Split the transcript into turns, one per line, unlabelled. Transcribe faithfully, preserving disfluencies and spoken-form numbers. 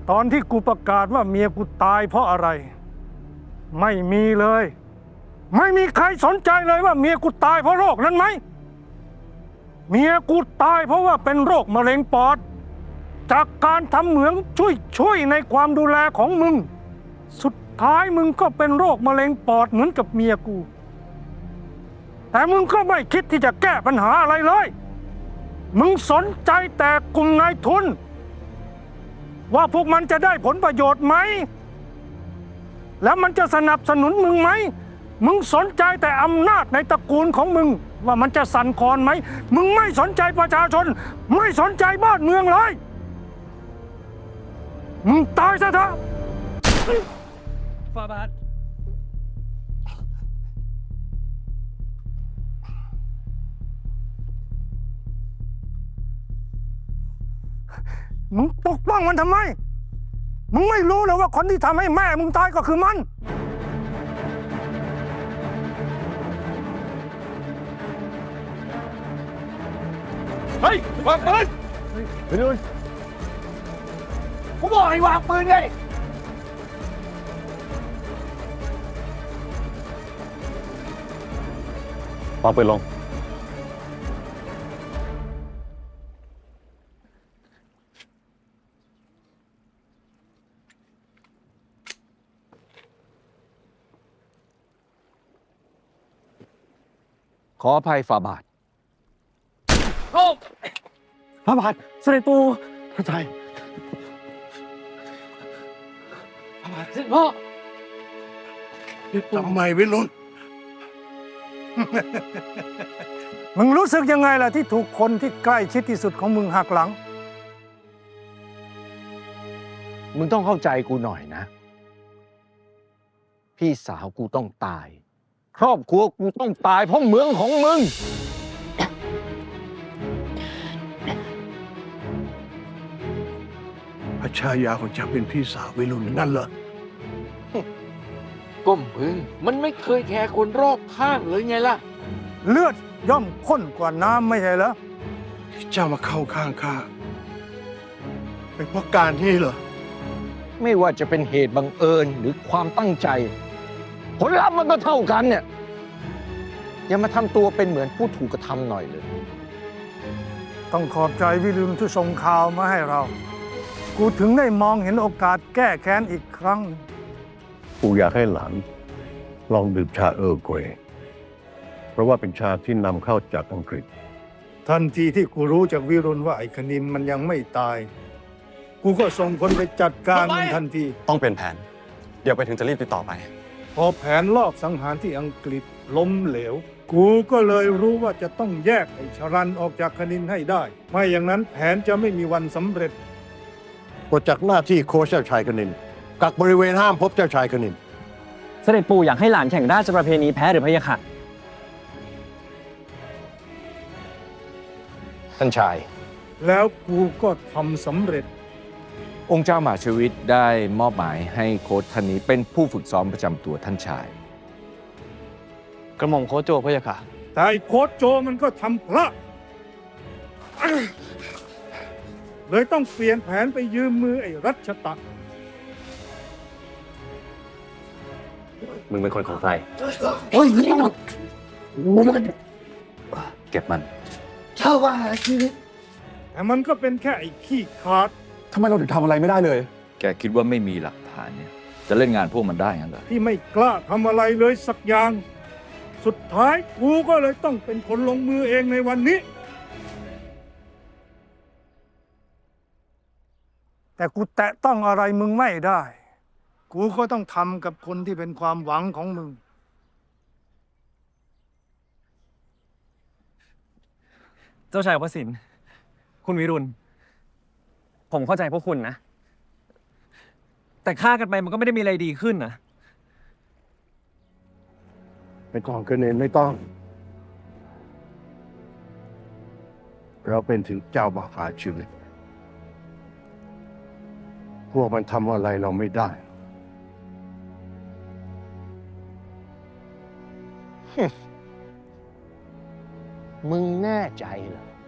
ตอนที่กูประกาศว่าเมียกูตายเพราะอะไรไม่มีเลยไม่มีใครสนใจเลยว่าเมียกูตายเพราะโรคนั้นไหมเมียกูตายเพราะว่าเป็นโรคมะเร็งปอดจากการทำเหมืองช่วยช่วยในความดูแลของมึงสุดท้ายมึงก็เป็นโรคมะเร็งปอดเหมือนกับเมียกูแต่มึงก็ไม่คิดที่จะแก้ปัญหาอะไรเลยมึงสนใจแต่กลุ่มนายทุนว่าพวกมันจะได้ผลประโยชน์ไหมแล้วมันจะสนับสนุนมึงไหมมึงสนใจแต่อำนาจในตระกูลของมึงว่ามันจะสั่นคลอนไหมมึงไม่สนใจประชาชนไม่สนใจบ้านเมืองเลยมึงตายซะเถอะ
ฟาบาท
มึงปกป้องมันทำไมมึงไม่รู้เลยว่าคนที่ทำให้แม่มึงตายก็คือมัน
เฮ้ย วางปืนไปดูกูบอกให้วางปืนไง
วางปืนลง
ขออภัยฝ่าบาทโอ้
พระบาทเสด็จปู่พระใจ
ฝ่าบาทเสด็จพ่อ
ทำไมวิรุณ
มึงรู้สึกยังไงล่ะที่ถูกคนที่ใกล้ชิดที่สุดของมึงหักหลัง
มึงต้องเข้าใจกูหน่อยนะ พี่สาวกูต้องตาย ครอบครัวกูต้องตายเพราะเมืองของมึง
พระชายาของเจ้าเป็นพี่สาววิรุณนั่นเหรอ
ก้มพึ่งมันไม่เคยแคร์คนรอบข้างเลยไงล่ะ
เลือดย่อมข้นกว่าน้ำไม่ใช่เหรอ
ที่เจ้ามาเข้าข้างข้าเป็นเพราะการนี้เหรอ
ไม่ว่าจะเป็นเหตุบังเอิญหรือความตั้งใจ ผลลัพธ์มันก็เท่ากันเนี่ย อย่ามาทำตัวเป็นเหมือนผู้ถูกกระทำหน่อยเลย
ต้องขอบใจวิรุณที่ส่งข่าวมาให้เรา กูถึงได้มองเห็นโอกาสแก้แค้นอีกครั้ง
กูอยากให้หลานลองดื่มชาเออร์เกรย์เพราะว่าเป็นชาที่นำเข้าจากอังกฤษ
ทันทีที่กูรู้จากวิรุณว่าไอ้คณินมันยังไม่ตาย กูก็ส่งคนไปจัดการมันทันที
ต้องเป็นแผน เดี๋ยวไปถึงจะรีบติดต่อไป
พอแผนลอบสังหารที่อังกฤษล้มเหลว กูก็เลยรู้ว่าจะต้องแยกไอ้ชรันออกจากคณินให้ได้ ไม่อย่างนั้นแผนจะไม่มีวันสำเร็จ
ปลดจากหน้าที่โค้ชเจ้าชายกนิน กักบริเวณห้ามพบเจ้าชายกนิน
เสด็จปู่อยากให้หลานแข่งราชประเพณีแพ้หรือพะยะค่ะ
ท่านชาย
แล้วกูก็ทำสำเร็จ
องค์เจ้ามหาชวิตได้มอบหมายให้โค้ชท่านนี้เป็นผู้ฝึกซ้อมประจำตัวท่านชาย
กระหม่อมโคชโจพะยะค่ะ
แต่ไอ้โค้ชโจมันก็ทำพลาดเลยต้องเปลี่ยนแผนไปยืมมือไอ้รัชตะ
มึงเป็นคนของใคร
โอ้ย
เก็บมัน
เช่าว่าชีวิต
แต่มันก็เป็นแค่ไอ้ขี้ขาด
ทำไมเราถึงทำอะไรไม่ได้เลย
แกคิดว่าไม่มีหลักฐานเนี่ย จะเล่นงานพวกมันได้งั้นเหรอ
ที่ไม่กล้าทำอะไรเลยสักอย่าง สุดท้ายกูก็เลยต้องเป็นคนลงมือเองในวันนี้ แต่กูแตะต้องอะไรมึงไม่ได้ กูก็ต้องทำกับคนที่เป็นความหวังของมึง
เจ้าชายวสินทร์คุณวิรุณ ผมเข้าใจพวกคุณนะ แต่ฆ่ากันไปมันก็ไม่ได้มีอะไรดีขึ้นนะ
ไม่ต้องกนินไม่ต้อง เราเป็นถึงเจ้ามหาชีวิต พวกมันทำอะไรเราไม่ได้
มึงแน่ใจเหรอ